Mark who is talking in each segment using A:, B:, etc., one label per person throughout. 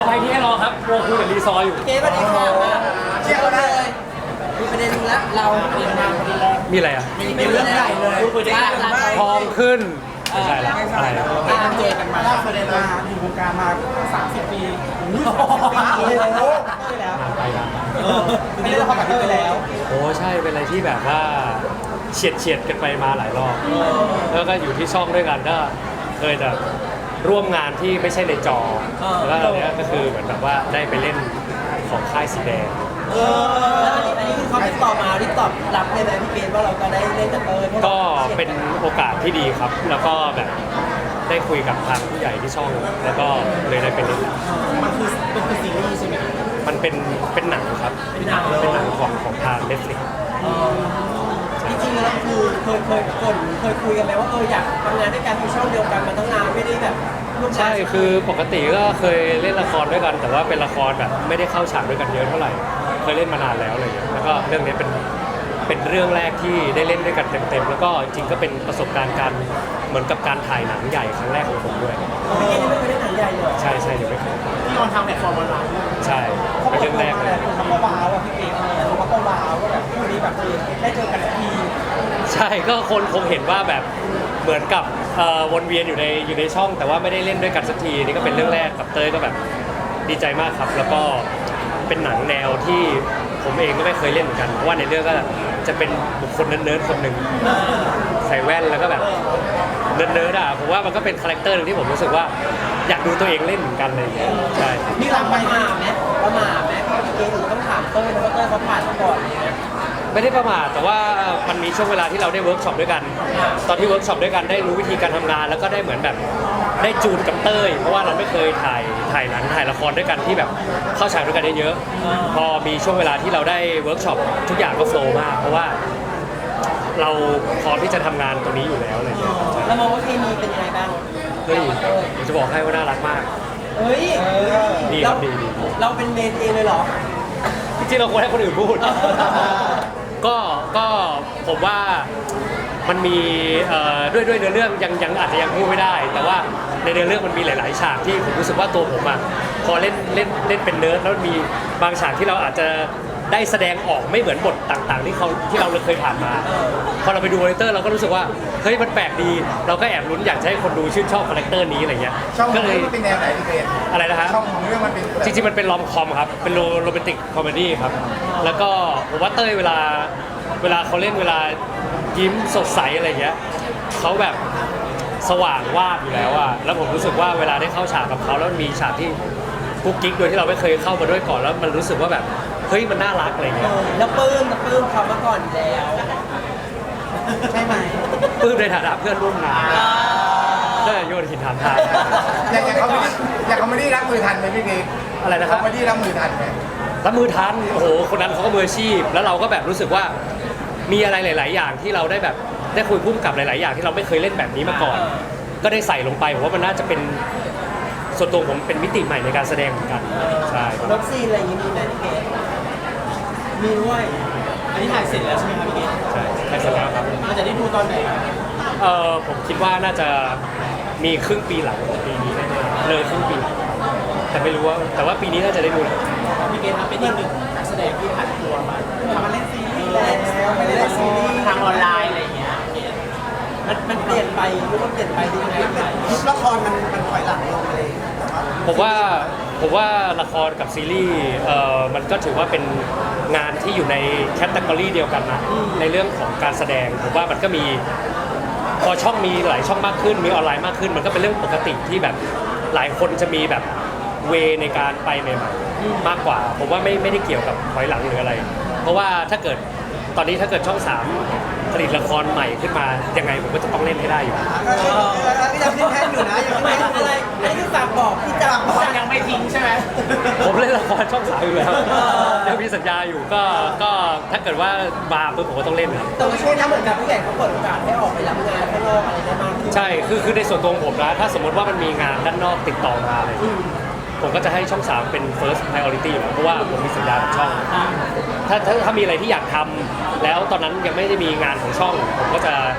A: ไปที่ให้รอครับโรคุยกับรีซอร์อยู่
B: เกสวัสดีค่ะเชียร์กันเลยมีประเด็นนึงแล้วเราเรียนมาประเด็นแรก
A: มีอะไรอ่ะ
B: มีเรื่องใหญ่เลย
A: ทองขึ้นไม่ใช่ละอะไร
B: การเจอกันมาล่าสุดเลยมาอยู่วงการมา30 ปี30 ปีแล้ว
A: ไปแล้ว
B: ไม่ได้ละครกับพี่ไปแล้ว
A: โอ้ใช่เป็นอะไรที่แบบว่าเฉียดกันไปมาหลายรอบแล้วก็อยู่ที่ช่องด้วยกันก็เคยแบบร่วมงานที่ไม่ใช่ในจอแล้วตอนนี้ก็คือเหมือนแบบว่าได้ไปเล่นของค่ายสีแดง
B: แล้วอันนี้คือเขาติดต่อมาที่ตอบรับเลยนะพี่เกสว่าเราจะได้เล่นกับ
A: ก็เป็นโอกาสที่ดีครับ แล้วก็แบบได้คุยกับทางผู้ใหญ่ที่ช่องแล้วก็เลยได้ไปเล่น
B: มันคือซีรีส์ใช่ไหม
A: มันเป็นหนังครับเป็นหนังของทาง Netflix
B: จริงๆแล้วคือเคยคุยกันไหมว่าอยากทำงานด้วยกันในช่องเดียวกันมาตั้งนานไม่ได้แบบ
A: ใช่คือปกติก็เคยเล่นละครด้วยกัน แต่ว่าเป็นละครแบบไม่ได้เข้าฉากด้วยกันเยอะเท่าไหร่เคยเล่นมานานแล้วอะไรอย่างเงี้ยแล้วก็เรื่องนี้เป็นเรื่องแรกที่ได้เล่นด้วยกันเต็มๆแล้วก็จริงก็เป็นประสบการณ์การเหมือนกับการถ่ายหนังใหญ่ครั้งแรกของผมด้วย
B: พี่เกสไม่เคยได้หนังใหญ่เลย
A: ใช่เดี๋ยวไม่เคย
B: ที่ออนทำแพลตฟอร์มออนไลน์
A: ใช่เป็นเรื่องแรกเลย
B: เขาก็ว้าวอ่ะพี่เกสเขาก็ว้าวว่าแบบคู่นี้แบบได้เจอกันที
A: ใช่ก็คนคงเห็นว่าแบบเหมือนกับวนเวียนอยู่ในช่องแต่ว่าไม่ได้เล่นด้วยกันสักทีนี่ก็เป็นเรื่องแรกกับเต้ยก็แบบดีใจมากครับแล้วก็เป็นหนังแนวที่ผมเองก็ไม่เคยเล่นเหมือนกันเพราะว่าในเรื่องก็จะเป็นบุคคลเนิร์ดๆคนหนึ่งใส่แว่นแล้วก็แบบเนิร์ดๆอ่ะผมว่ามันก็เป็นคาแรคเตอร์นึงที่ผมรู้สึกว่าอยากดูตัวเองเล่นเหมือนกันเลยใช่
B: นี่เราประมาทไหมพี่เกสต้องถามเต้ยเพราะว่าเต้ยเขาผ่านมาก่อนเลย
A: ไม่ได้ประมาทแต่ว่ามันมีช่วงเวลาที่เราได้เวิร์กช็อปด้วยกันตอนที่เวิร์กช็อปด้วยกันได้รู้วิธีการทำงานแล้วก็ได้เหมือนแบบได้จูนกับเต้ยเพราะว่าเราไม่เคยถ่ายหนังถ่ายละครด้วยกันที่แบบเข้าฉากด้วยกันได้เยอะพอมีช่วงเวลาที่เราได้เวิร์กช็อปทุกอย่างก็โฟล์มากเพราะว่าเราพร้อมที่จะทำงานตรงนี้อยู่แล้วอะไรอย่างเงี้ย
B: แล้วมองว่าเคมีเป็นยังไงบ้าง
A: เฮ้ยผมจะบอกให้ว่าน่ารักมาก
B: เฮ้ย
A: ดีครับดี
B: เราเป็นเมนเองเลยเหรอ
A: จริงๆเราควรให้คนอื่นพูดก็ผมว่ามันมีด้วยเนื้อเรื่องยังอาจจะยังพูดไม่ได้แต่ว่าในเนื้อเรื่องมันมีหลายๆฉากที่ผมรู้สึกว่าตัวผมอ่ะพอเล่นเป็นเนิร์ดแล้วมีบางฉากที่เราอาจจะได้แสดงออกไม่เหมือนบทต่างๆที่เราเคยผ่านมาพอเราไปดูมอนิเตอร์เราก็รู้สึกว่าเฮ้ยมันแปลกดีเราก็แอบลุ้นอยากให้คนดูชื่นชอบคาแรคเตอร์นี้อะไรเงี้ย
C: ก็เลยเป็นแนวไหนพี่เกศ
A: อะไรนะฮะ
C: ช่องของเรื่องมันเป็น
A: จริงๆมันเป็นรอมคอมครับเป็นโรแมนติกคอมเมดี้ครับแล้วก็ผมว่าเต้ยเวลาเขาเล่นเวลายิ้มสดใสอะไรเงี้ยเขาแบบสว่างวาบอยู่แล้วอะแล้วผมรู้สึกว่าเวลาได้เข้าฉากกับเขาแล้วมีฉากที่กุ๊กกิ๊กโดยที่เราไม่เคยเข้ามาด้วยก่อนแล้วมันรู้สึกว่าแบบเฮ้ยมันน่ารักอะไรเงี้ย
B: แล้วปลื้มเขามาก่อนแล้วใช่ไหม
A: ปลื้มในฐานะเพื่อนร่วมงานได้โยนหินถามทาง
C: อย่างเขาไม่ได้รับมือทันไหมพี่เกศ
A: อะไรนะครับ
C: เขาไม่ได้รับมือทันไหม
A: รับมือทันโอ้โหคนนั้นเขาก็มืออาชีพแล้วเราก็แบบรู้สึกว่ามีอะไรหลายๆอย่างที่เราได้แบบได้คุยพุ่มกับหลายๆอย่างที่เราไม่เคยเล่นแบบนี้มาก่อนก็ได้ใส่ลงไปผมว่ามันน่าจะเป็นส่วนตัวผมเป็นมิติใหม่ในการแสดงเหมือนกันใช่
B: รถซีนอะไรอย่างนี้มีไหมพี่เกศมีด้วยอันนี้ถ่ายเสร็จแล้วใช่ไหมครับพี่เกศ
A: ใช่ถ่ายเสร็จแล้วครับ
B: เราจะได้ดูตอนไหน
A: ผมคิดว่าน่าจะมีครึ่งปีหลังของปีนี้แน่ๆเลยครึ่งปีแต่ไม่รู้ว่าแต่ว่าปีนี้น่าจะได้ดู
B: พี่เกศเป็นอีกหนึ่งนักแสดงที่ผ่านตัวมาทำมาเล่นซีรีส์แล้วไม่ได้เล่นซีรีส์ทางออนไลน์อะไรอย่างเงี้ยมันเปลี่ยนไปหรือว่าเปลี่ยนไปดียังไงละครมันถอยหลังลงเลย
A: ผมว่าละครกับซีรีส์มันก็ถือว่าเป็นงานที่อยู่ในแคตตากรีเดียวกันนะในเรื่องของการแสดงผมว่ามันก็มีพอช่องมีหลายช่องมากขึ้นมีออนไลน์มากขึ้นมันก็เป็นเรื่องปกติที่แบบหลายคนจะมีแบบเวในการไปใหม่ๆมากกว่าผมว่าไม่ได้เกี่ยวกับถอยหลังหรืออะไรเพราะว่าถ้าเกิดตอนนี้ถ้าเกิดช่อง3ผลิตละครใหม่ขึ้นมายังไงผมก็จะต้องเล่นให้ได้อยู่
B: พี่จำที่แท่นอยู่นะยังไม่อะไรอันนี้คือฝากบอกพี่จำยังไม่ทิ้งใช่ไหม
A: ผมเล่นละครช่อง3อยู่แล้วยังมีสัญญาอยู่ก็ถ้าเกิดว่ามาปุ๊บผมก็ต้องเล่นครับ
B: แต่ว่าช่วงนี้เหมือนกับผู้ใหญ่เขาเปิดโอกาสให้ออกไปรับงานข้างนอกอะไรได้มากขึ้น
A: ใช่คือในส่วนตัวผมนะถ้าสมมติว่ามันมีงานด้านนอกติดต่อมาเลยผมก็จะให้ช่อง3เป็น first priority อยู่แล้วเพราะว่าผมมีสัญญากับช่องถ้ามีอะไรที่อยากทำแล้วตอนนั้นยังไม่ได้มีงานของช่องผมก็จะ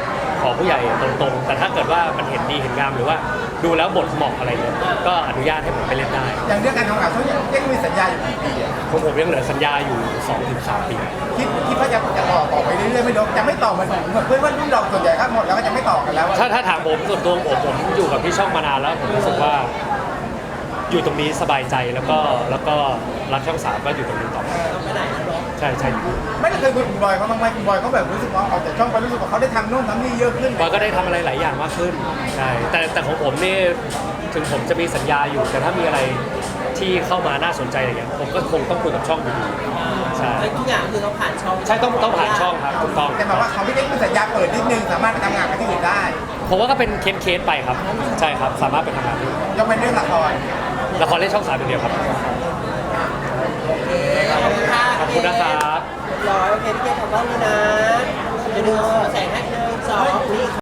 A: ขอผู้ใหญ่ตรงๆแต่ถ้าเกิดว่ามันเห็นดีเห็นงามหรือว่าดูแล้วบทเหมาะอะไรเนี่ยก็อนุญาตให้ผมไปเล่นได้
C: อย่างเรื่องการทำงานเขายังมีสัญญาอยู่กี่ปีอ่ะ
A: ผมยังเหลือสัญญาอยู่ 2-3 ปี
C: คิดว่าจะต่อไปเรื่อยๆไม่ลดจะไม่ต่อเหมือนเพื่อนรุ่นเราส่วนใหญ่ครับหมดแล้วก็จะไม่ต่อกันแล้วอะ
A: ถ้าถามผมส่วนตัวผมอยู่กับที่ช่องมานานแล้วผมรู้สึกว่าอยู่ตรงนี้สบายใจแล้วก็รักช่องสามก็อยู่ตรงนี้ต่อไป
B: ไปไหนนะน้อง
A: ใช่ใช่
C: ไม่ได้เคยคุยกับคุณบอยเขาบ้างไหมคุณบอยเขาแบบรู้สึกว่าออกจากช่องไปรู้สึกว่าเขาได้ทำโน่นทำนี่เยอะขึ้น
A: บอยก็ได้ทำอะไรหลายอย่างมากขึ้นใช่แต่ของผมนี่ถึงผมจะมีสัญญาอยู่ แต่ถ้ามีอะไรที่เข้ามาน่าสนใจอะไรเงี้ยผมก็คงต้องคุยกับช่องอยู่ดีใช่
B: แล้วทุกอย่างคือต้องผ่านช่อง
A: ใช่ต้องผ่านช่องครับถูกต้อง
C: แต่แบบว่าเขาไม่ได้มีสัญญาเปิดนิดนึงสามารถไปทำงานกับที่อื่นได้
A: ผมว่าก็เป็นเคสไปครับใช่ครับสามารถไปทำงานได้
C: ยกเป็นเรื่องละคร
A: ละครเล่นช่อง3อย่างเดียวครับ
B: ขอบคุณค่ะ
A: ขอบคุณนะครับ
B: เรียบร้อยโอเคพี่เกดขอบคุณนะเดี๋ยวดูแสงให้1 2นี่